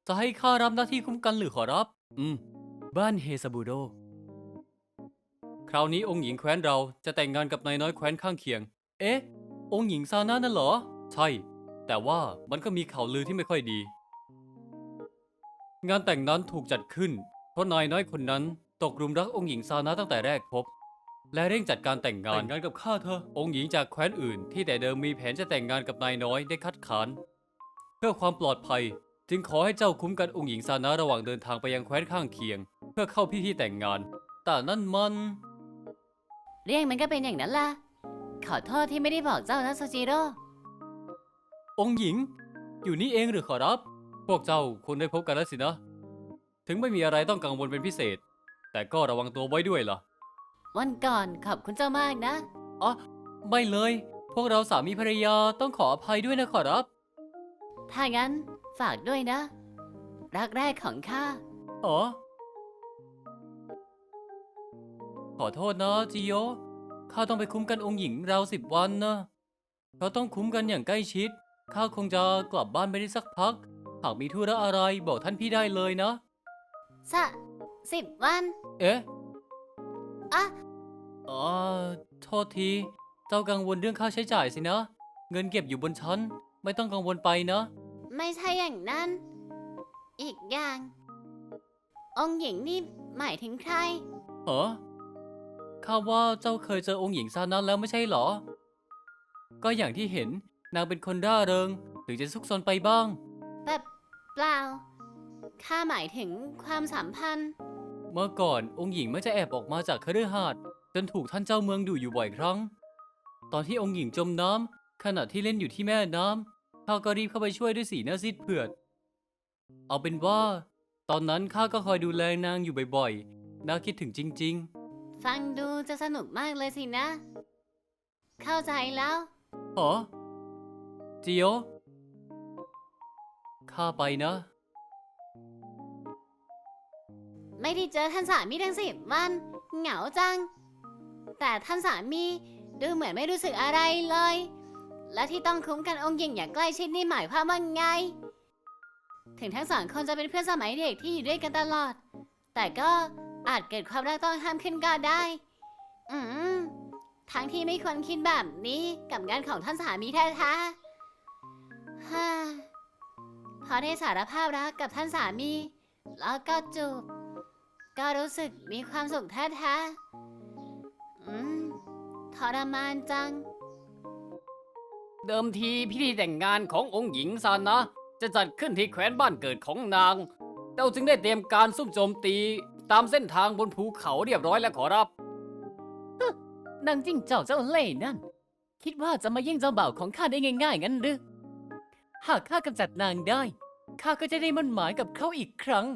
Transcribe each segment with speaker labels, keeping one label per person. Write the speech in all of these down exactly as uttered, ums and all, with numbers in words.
Speaker 1: จะให้ข้ารับหน้าที่คุ้มกันหรือขอรับ อืม บ้านเฮซาบูโด คราวนี้องค์หญิงแคว้นเราจะแต่งงานกับนายน้อยแคว้นข้างเคียง เอ๊ะ องค์หญิงซาน่านั่นเหรอ ใช่ แต่ว่ามันก็มีข่าวลือที่ไม่ค่อยดี งานแต่งนั้นถูกจัดขึ้น เพราะนายน้อยคนนั้นตกหลุมรักองค์หญิงซาน่าตั้งแต่แรกพบ และเร่งจัดการแต่งงานแต่งงานกับข้าเธอ องค์หญิงจากแคว้นอื่นที่แต่เดิมมีแผนจะแต่งงานกับนายน้อยได้คัดค้าน เพื่อความปลอดภัยจึงขอให้เจ้าคุ้มกันองค์หญิงซานะระหว่างเดินทางไปยังแคว้นข้างเคียง เพื่อเข้าพิธีแต่งงาน แต่นั่นมัน
Speaker 2: เรื่องมันก็เป็นอย่างนั้นล่ะ ขอโทษที่ไม่ได้บอกเจ้านะโซจิโร่
Speaker 1: องค์หญิง อยู่นี่เองหรือขอรับ พวกเจ้าควรได้พบกันแล้วสินะ ถึงไม่มีอะไรต้องกังวลเป็นพิเศษ แต่ก็ระวังตัวไว้ด้วยล่ะ
Speaker 2: วันก่อนขอบคุณเจ้ามากนะ
Speaker 1: อ๋อ ไม่เลย พวกเราสามีภรรยาต้องขออภัยด้วยนะขอรับ
Speaker 2: ถ้างั้นฝากด้วยนะ รักแรกของข้า
Speaker 1: อ๋อ ขอโทษนะจิโย ข้าต้องไปคุ้มกันองค์หญิงราวสิบวันนะเพราะต้องคุ้มกันอย่างใกล้ชิด ข้าคงจะกลับบ้านไปได้สักพัก หากมีธุระอะไรบอกท่านพี่ได้เลยนะ
Speaker 2: สะสิบวัน
Speaker 1: เอ๊ะ
Speaker 2: อ่ะ
Speaker 1: อ๋อ โทษที เจ้ากังวลเรื่องค่าใช้จ่ายสินะ เงินเก็บอยู่บนชั้น ไม่ต้องกังวลไปนะ
Speaker 2: ไม่ใช่อย่างนั้น อีกอย่าง องค์หญิงนี่หมายถึงใคร
Speaker 1: เหรอ ข้าว่าเจ้าเคยเจอองค์หญิงซานั้นแล้วไม่ใช่เหรอ ก็อย่างที่เห็นนางเป็นคนร่าเริงหรือจะซุกซนไปบ้าง
Speaker 2: แบบเปล่า ข้าหมายถึงความสัมพันธ์
Speaker 1: เมื่อก่อนองค์หญิงมักจะแอบออกมาจากคฤหาสน์จนถูกท่านเจ้าเมืองดุอยู่บ่อยครั้ง ตอนที่องค์หญิงจมน้ำขณะที่เล่นอยู่ที่แม่น้ำข้าก็รีบเข้าไปช่วยด้วยสีหน้าซีดเผือด เอาเป็นว่า ตอนนั้นข้าก็คอยดูแลนางอยู่บ่อยๆ น่าคิดถึงจริง
Speaker 2: ฟังดูจะสนุกมากเลยสินะ เข้าใจแล้ว
Speaker 1: ๆหรอจิโยข้าไปนะ
Speaker 2: ไม่ได้เจอท่านสามีทั้งสิบวัน เหงาจัง แต่ท่านสามีดูเหมือนไม่รู้สึกอะไรเลย และที่ต้องคุ้มกันองค์หญิงอย่างใกล้ชิดนี่หมายความว่าไง ถึงทั้งสองคนจะเป็นเพื่อนสมัยเด็กที่อยู่ด้วยกันตลอด แต่ก็อาจเกิดความรักต้องห้ามขึ้นก็ได้ อืม ทั้งที่ไม่ควรคิดแบบนี้กับงานของท่านสามีแท้ๆฮ่าพอได้สารภาพรักกับท่านสามี แล้วก็จูบ ก็รู้สึกมีความสุขแท้ๆอืม ทรมานจัง
Speaker 1: เดิมทีพิธีแต่งงานขององค์หญิงซานะ จะจัดขึ้นที่แคว้นบ้านเกิดของนางเราจึงได้เตรียมการซุ่มโจมตีตามเส้นทางบนภูเขาเรียบร้อยแล้วขอรับ
Speaker 2: นางจิ้งเจ้าเจ้าเล่ห์นั่น คิดว่าจะมาแย่งเจ้าบ่าวของข้าได้ง่ายๆงั้นหรือ หากข้ากำจัดนางได้ ข้าก็จะได้มั่นหมายกับเขาอีกครั้ง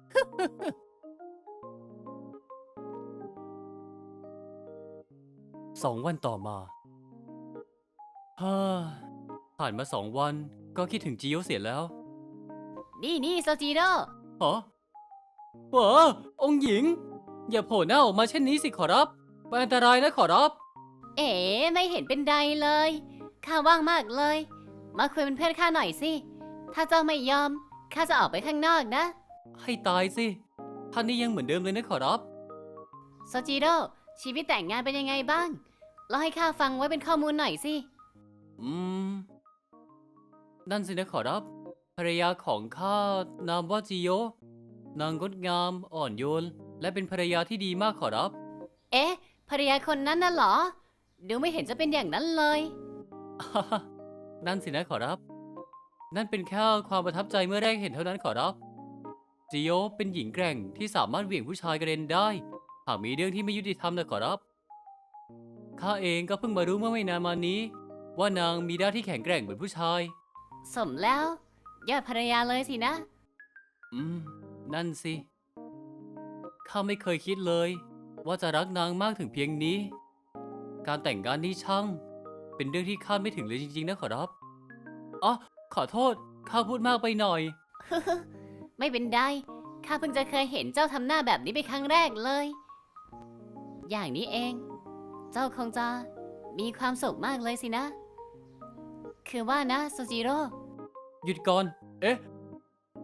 Speaker 1: สองวันต่อมาฮ่าผ่านมาสองวันก็คิดถึงจิโยเสียแล้ว
Speaker 2: นี่นี่โซจิโร่
Speaker 1: ฮะเหรอองค์หญิง อย่าโผล่หน้าออกมาเช่นนี้สิขอรับเป็นอันตรายนะขอรับ
Speaker 2: เอ๋ไม่เห็นเป็นไรเลย ข้าว่างมากเลย มาคุยเป็นเพื่อนข้าหน่อยสิ ถ้าเจ้าไม่ยอม ข้าจะออกไปข้างนอกนะ
Speaker 1: ให้ตายสิ ท่านนี่ยังเหมือนเดิมเลยนะขอรับ
Speaker 2: โซจิโร่ชีวิตแต่งงานเป็นยังไงบ้างเล่าให้ข้าฟังไว้เป็นข้อมูลหน่อยสิ
Speaker 1: อืม นั่นสินะขอรับ ภรรยาของข้านามว่าจิโย นางงดงาม อ่อนโยน และเป็นภรรยาที่ดีมากขอรับ
Speaker 2: เอ๊ะ ภรรยาคนนั้นน่ะเหรอ ดูไม่เห็นจะเป็นอย่างนั้นเลย
Speaker 1: นั่นสินะขอรับ นั่นเป็นแค่ความประทับใจเมื่อแรกเห็นเท่านั้นขอรับ จิโยเป็นหญิงแกร่งที่สามารถเหวี่ยงผู้ชายกระเด็นได้ หากมีเรื่องที่ไม่ยุติธรรมนะขอรับ ข้าเองก็เพิ่งมารู้เมื่อไม่นานมานี้ ว่านางมีด้านที่แข็งแกร่งเหมือนผู้ชาย
Speaker 2: สมแล้วยอดภรรยาเลยสินะ
Speaker 1: อืม นั่นสิ ข้าไม่เคยคิดเลย ว่าจะรักนางมากถึงเพียงนี้ การแต่งงานนี้ช่าง เป็นเรื่องที่คาดไม่ถึงเลยจริงๆนะขอรับอ๋อขอโทษ ข้าพูดมากไปหน่อย
Speaker 2: ไม่เป็นไร ข้าเพิ่งจะเคยเห็นเจ้าทำหน้าแบบนี้เป็นครั้งแรกเลย อย่างนี้เอง เจ้าคงจะมีความสุขมากเลยสินะ คือว่านะซูจิโร่
Speaker 1: หยุดก่อน เอ๊ะ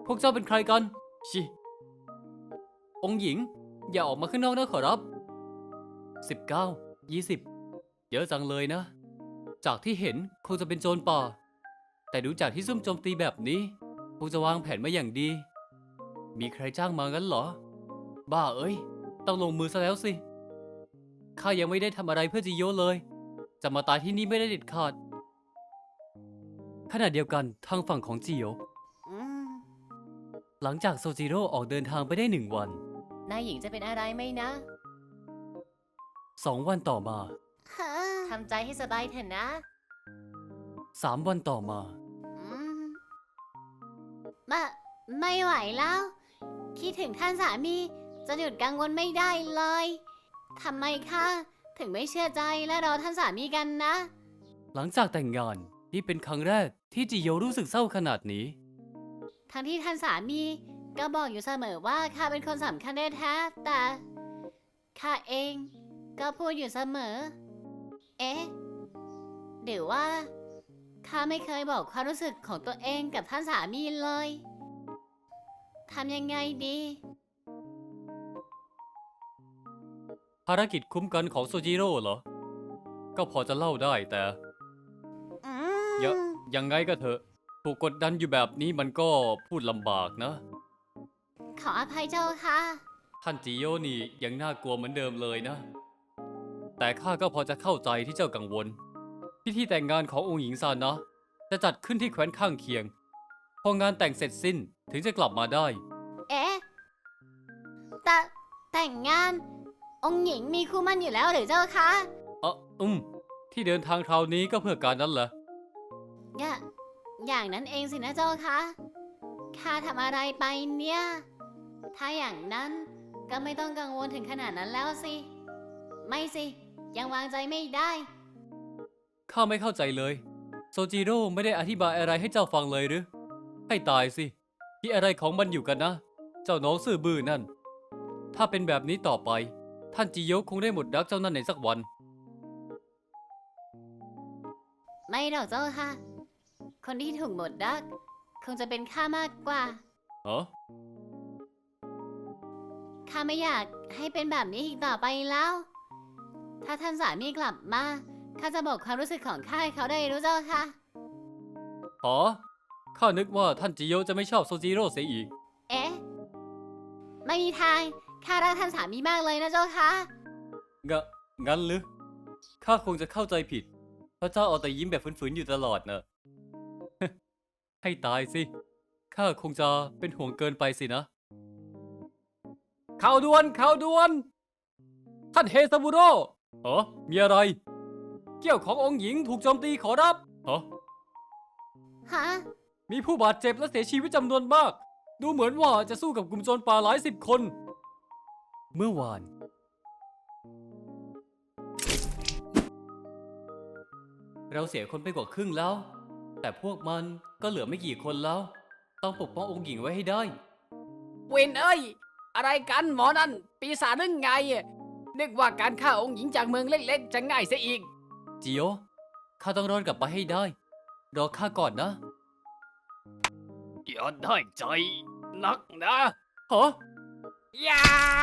Speaker 1: พวกเจ้าเป็นใครกัน ชิ องค์หญิง อย่าออกมาข้างนอกนะขอรับ สิบเก้า ยี่สิบ เยอะจังเลยนะ จากที่เห็นคงจะเป็นโจรป่า แต่ดูจากที่ซุ่มโจมตีแบบนี้คงจะวางแผนมาอย่างดี มีใครจ้างมางั้นเหรอ บ้าเอ้ย ต้องลงมือซะแล้วสิ ข้ายังไม่ได้ทำอะไรเพื่อจิโยะเลย จะมาตายที่นี่ไม่ได้เด็ดขาด ขณะเดียวกันทางฝั่งของจิโยะ
Speaker 2: อืม
Speaker 1: หลังจากโซจิโร่ออกเดินทางไปได้หนึ่งวัน
Speaker 2: นายหญิงจะเป็นอะไรไหมนะ
Speaker 1: สองวันต่อมา
Speaker 2: ทำใจให้สบายเถอะนะ
Speaker 1: สามวันต่อมา
Speaker 2: อืมมาไม่ไหวแล้ว คิดถึงท่านสามีจะหยุดกังวลไม่ได้เลยทำไมคะถึงไม่เชื่อใจและรอท่านสามีกันนะ
Speaker 1: หลังจากแต่งงานนี่เป็นครั้งแรกที่จิโยะรู้สึกเศร้าขนาดนี้
Speaker 2: ทั้งที่ท่านสามีก็บอกอยู่เสมอว่าข้าเป็นคนสำคัญแท้ๆแต่ข้าเองก็พูดอยู่เสมอ เอ๊ะหรือว่าข้าไม่เคยบอกความรู้สึกของตัวเองกับท่านสามีเลยทำยังไงดี
Speaker 1: ภารกิจคุ้มกันของโซจิโร่เหรอ ก็พอจะเล่าได้แต่
Speaker 2: อื
Speaker 1: เยอะ
Speaker 2: ม
Speaker 1: ยังไงก็เถอะถูกกดดันอยู่แบบนี้มันก็พูดลำบากนะ
Speaker 2: ขออภัยเจ้าค่ะ
Speaker 1: ท่านจิโยะนี่ยังน่ากลัวเหมือนเดิมเลยนะ แต่ข้าก็พอจะเข้าใจที่เจ้ากังวล พิธีแต่งงานขององค์หญิงซานะ จะจัดขึ้นที่แคว้นข้างเคียง พองานแต่งเสร็จสิ้นถึงจะกลับมาได้
Speaker 2: เอ๊ะแต่แต่งงาน องค์หญิงมีคู่หมั่นอยู่แล้วหรือเจ้าคะ
Speaker 1: เอออืมที่เดินทางคราวนี้ก็เพื่อการนั้นเหรอ
Speaker 2: อย่าอย่างนั้นเองสินะเจ้าคะข้าทำอะไรไปเนี่ย ถ้าอย่างนั้นก็ไม่ต้องกังวลถึงขนาดนั้นแล้วสิ ไม่สิ ยังวางใจไม่ได้
Speaker 1: ข้าไม่เข้าใจเลย โซจิโร่ไม่ได้อธิบายอะไรให้เจ้าฟังเลยหรือ ให้ตายสิที่อะไรของมันอยู่กันนะ เจ้าน้องซื่อบื้อนั่น ถ้าเป็นแบบนี้ต่อไป ท่านจิโยะคงได้หมดรักเจ้านั่นในสักวัน
Speaker 2: ไม่หรอกเจ้าค่ะ คนที่ถูกหมดรัก คงจะเป็นข้ามากกว่า
Speaker 1: เหรอ
Speaker 2: ข้าไม่อยากให้เป็นแบบนี้อีกต่อไปแล้ว ถ้าท่านสามีกลับมา ข้าจะบอกความรู้สึกของข้าให้เขาได้รู้เจ้าค่ะ
Speaker 1: อ๋อ ข้านึกว่าท่านจิโยะจะไม่ชอบโซจิโร่เสียอีก
Speaker 2: เอ๊ะ ไม่มีทาง ข้ารักท่านสามีมากเลยนะเจ้าค่ะ
Speaker 1: งะงั้นหรือ ข้าคงจะเข้าใจผิด เพราะเจ้าเอาแต่ยิ้มแบบฝืนๆอยู่ตลอดเนอะ ให้ตายสิ ข้าคงจะเป็นห่วงเกินไปสินะ ข่าวด่วน ข่าวด่วน ท่านเฮซาบุโร่เหรอมีอะไร เกี่ยวขององค์หญิงถูกโจมตีขอรับเหรอ
Speaker 2: ฮะ
Speaker 1: มีผู้บาดเจ็บและเสียชีวิตจำนวนมาก ดูเหมือนว่าจะสู้กับกลุ่มโจรป่าหลายสิบคน เมื่อวาน เราเสียคนไปกว่าครึ่งแล้ว แต่พวกมันก็เหลือไม่กี่คนแล้ว ต้องปกป้ององค์หญิงไว้ให้ได้
Speaker 3: เวนเอ้ย อะไรกันหมอนั่น ปีศาจหรือไง นึกว่าการฆ่าองค์หญิงจากเมืองเล็กๆ จะง่ายเสียอีก
Speaker 1: จิโยะข้าต้องรอดกลับไปให้ได้ รอข้าก่อนนะ
Speaker 3: อย่าได้ใจ นักนะ
Speaker 1: ฮะ
Speaker 3: อย่า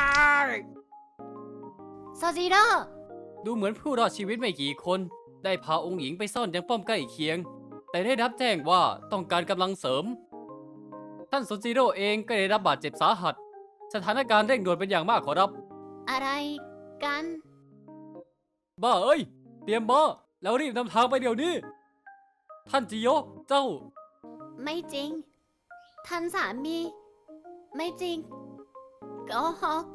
Speaker 2: โซจิโร่
Speaker 1: ดูเหมือนผู้รอดชีวิตไม่กี่คน ได้พาองค์หญิงไปซ่อนยังป้อมใกล้เคียง แต่ได้รับแจ้งว่าต้องการกำลังเสริม ท่านโซจิโร่เองก็ได้รับบาดเจ็บสาหัส สถานการณ์เร่งด่วนเป็นอย่างมากขอรับ
Speaker 2: อะไรกัน
Speaker 1: บ้าเอ้ย เตรียมบ้าแล้วรีบนำทางไปเดี๋ยวนี้ ท่านจิโยะเจ้า
Speaker 2: ไม่จริง ท่านสามี ไม่จริงโกหก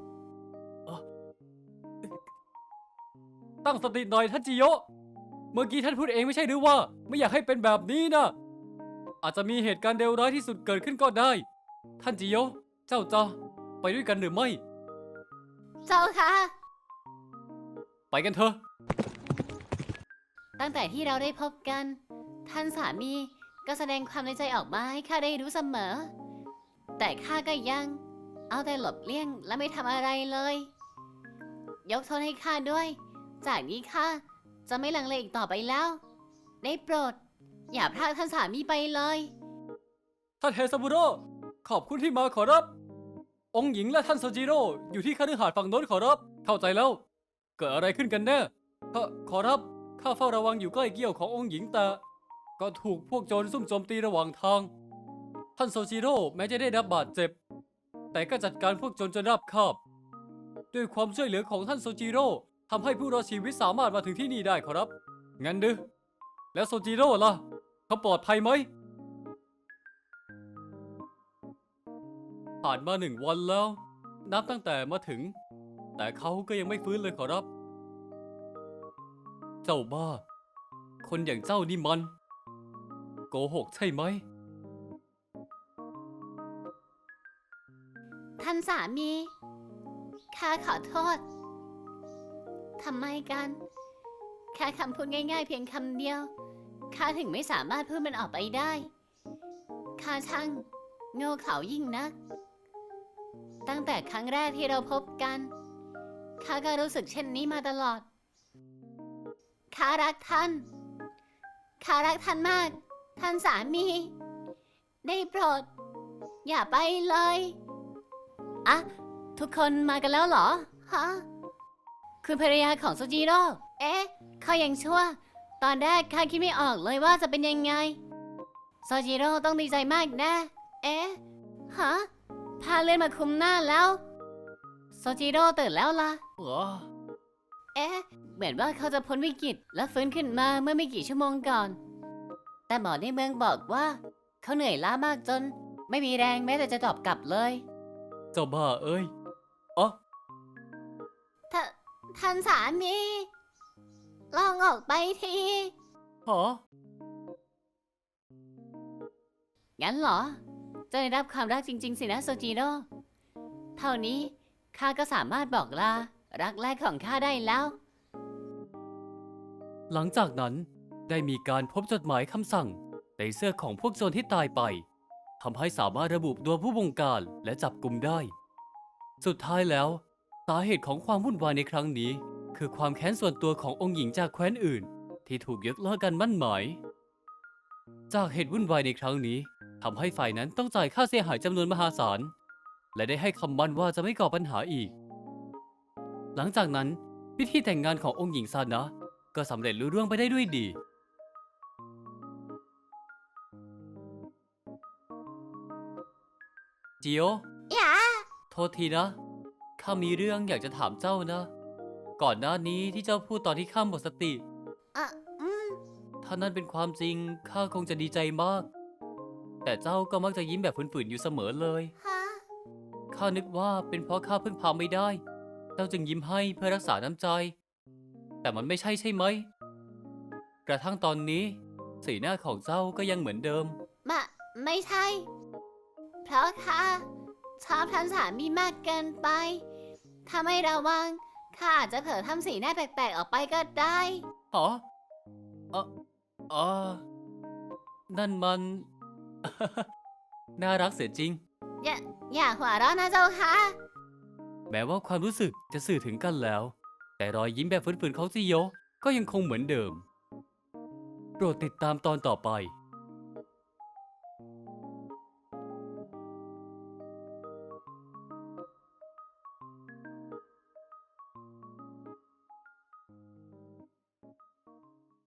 Speaker 1: ตั้งสติหน่อยท่านจิโยะ เมื่อกี้ท่านพูดเองไม่ใช่หรือว่า ไม่อยากให้เป็นแบบนี้นะ อาจจะมีเหตุการณ์เลวร้ายที่สุดเกิดขึ้นก็ได้ ท่านจิโยะ เจ้าจะไปด้วยกันหรือไม่
Speaker 2: เจ้าค่ะ
Speaker 1: ไปกันเถอะ
Speaker 2: ตั้งแต่ที่เราได้พบกัน ท่านสามีก็แสดงความในใจออกมาให้ข้าได้รู้เสมอ แต่ข้าก็ยัง เอาแต่หลบเลี่ยงและไม่ทำอะไรเลย ยกโทษให้ข้าด้วย จากนี้ข้าจะไม่ลังเลอีกต่อไปแล้ว ได้โปรด อย่าพรากท่านสามีไปเลย
Speaker 1: ท่านเฮซาบุโร่ขอบคุณที่มาขอรับ องค์หญิงและท่านโซจิโร่อยู่ที่คฤหาสน์ฝั่งโน้นขอรับ เข้าใจแล้ว เกิดอะไรขึ้นกันแน่ขอขอรับ ข้าเฝ้าระวังอยู่ใกล้เกี้ยวขององค์หญิงแต่ก็ถูกพวกโจรซุ่มโจมตีระหว่างทาง ท่านโซจิโร่แม้จะได้รับบาดเจ็บ แต่ก็จัดการพวกโจรจนราบคาบ ด้วยความช่วยเหลือของท่านโซจิโร่ทำให้ผู้รอดชีวิตสามารถมาถึงที่นี่ได้ขอรับ งั้นดือแล้วโซจิโร่ล่ะ เขาปลอดภัยไหม ผ่านมาหนึ่งวันแล้ว นับตั้งแต่มาถึง แต่เขาก็ยังไม่ฟื้นเลยขอรับ เจ้าบ้า คนอย่างเจ้านี่มัน โกหกใช่ไหม
Speaker 2: ท่านสามี ข้าขอโทษ ทำไมกัน แค่คำพูดง่ายๆเพียงคำเดียว ข้าถึงไม่สามารถพูดมันออกไปได้ ข้าช่างโง่เขลายิ่งนัก ตั้งแต่ครั้งแรกที่เราพบกัน ข้าก็รู้สึกเช่นนี้มาตลอด ข้ารักท่าน ข้ารักท่านมาก ท่านสามี ได้โปรด อย่าไปเลยอะทุกคนมากันแล้วเหรอ ฮะ คุณภรรยาของโซจิโร่ เอ๊ะเขายังชั่ว ตอนแรกข้าคิดไม่ออกเลยว่าจะเป็นยังไง โซจิโร่ต้องดีใจมากแน่ เอ๊ะ ฮะ พาเลื่อนมาคุมหน้าแล้ว โซจิโร่ตื่นแล้วล่ะ
Speaker 1: เหรอ
Speaker 2: เอ๊ะ เหมือนว่าเขาจะพ้นวิกฤตและฟื้นขึ้นมาเมื่อไม่กี่ชั่วโมงก่อน แต่หมอในเมืองบอกว่า เขาเหนื่อยล้ามากจน ไม่มีแรงแม้แต่จะตอบกลับเลย
Speaker 1: เจ้าบ้าเอ้ยอ๋อ
Speaker 2: ทท่านสามี ลองออกไปที
Speaker 1: หอ
Speaker 2: งั้นเหรอ จะได้รับความรักจริง ๆ สินะโซจิโร่ เท่านี้ข้าก็สามารถบอกลา รักแรกของข้าได้แล้ว
Speaker 1: หลังจากนั้นได้มีการพบจดหมายคำสั่งในเสื้อของพวกโจรที่ตายไปทำให้สามารถระบุตัวผู้บงการและจับกุมได้ สุดท้ายแล้วสาเหตุของความวุ่นวายในครั้งนี้ คือความแค้นส่วนตัวขององค์หญิงจากแคว้นอื่น ที่ถูกยกเลิกการมั่นหมาย จากเหตุวุ่นวายในครั้งนี้ทำให้ฝ่ายนั้นต้องจ่ายค่าเสียหายจำนวนมหาศาลและได้ให้คำมั่นว่าจะไม่ก่อปัญหาอีก หลังจากนั้นพิธีแต่งงานขององค์หญิงซานะก็สำเร็จลุล่วงไปได้ด้วยดี จิโอ
Speaker 2: อย่า
Speaker 1: โทษทีนะ ข้ามีเรื่องอยากจะถามเจ้านะ ก่อนหน้านี้ที่เจ้าพูดตอนที่ข้าหมดสติ
Speaker 2: อ่ะ อืม
Speaker 1: ถ้านั่นเป็นความจริงข้าคงจะดีใจมาก แต่เจ้าก็มักจะยิ้มแบบฝืนๆอยู่เสมอเลย
Speaker 2: ฮะ
Speaker 1: ข้านึกว่าเป็นเพราะข้าเพิ่งพาไม่ได้ เจ้าจึงยิ้มให้เพื่อรักษาน้ำใจ แต่มันไม่ใช่ใช่ไหม กระทั่งตอนนี้สีหน้าของเจ้าก็ยังเหมือนเดิม
Speaker 2: มะ ไม่ใช่ เพราะข้าชอบท่านสามีมากเกินไป ถ้าไม่ระวังข้าอาจจะเผลอทำสีหน้าแปลกๆออกไปก็ได้
Speaker 1: หรออ๋ออ๋อนั่นมัน น่ารักเสียจริง
Speaker 2: อย่า อย่าหัวเราะนะเจ้าค่ะ
Speaker 1: แม้ว่าความรู้สึกจะสื่อถึงกันแล้ว แต่รอยยิ้มแบบฝืนๆของจิโยะก็ยังคงเหมือนเดิม โปรดติดตามตอนต่อไป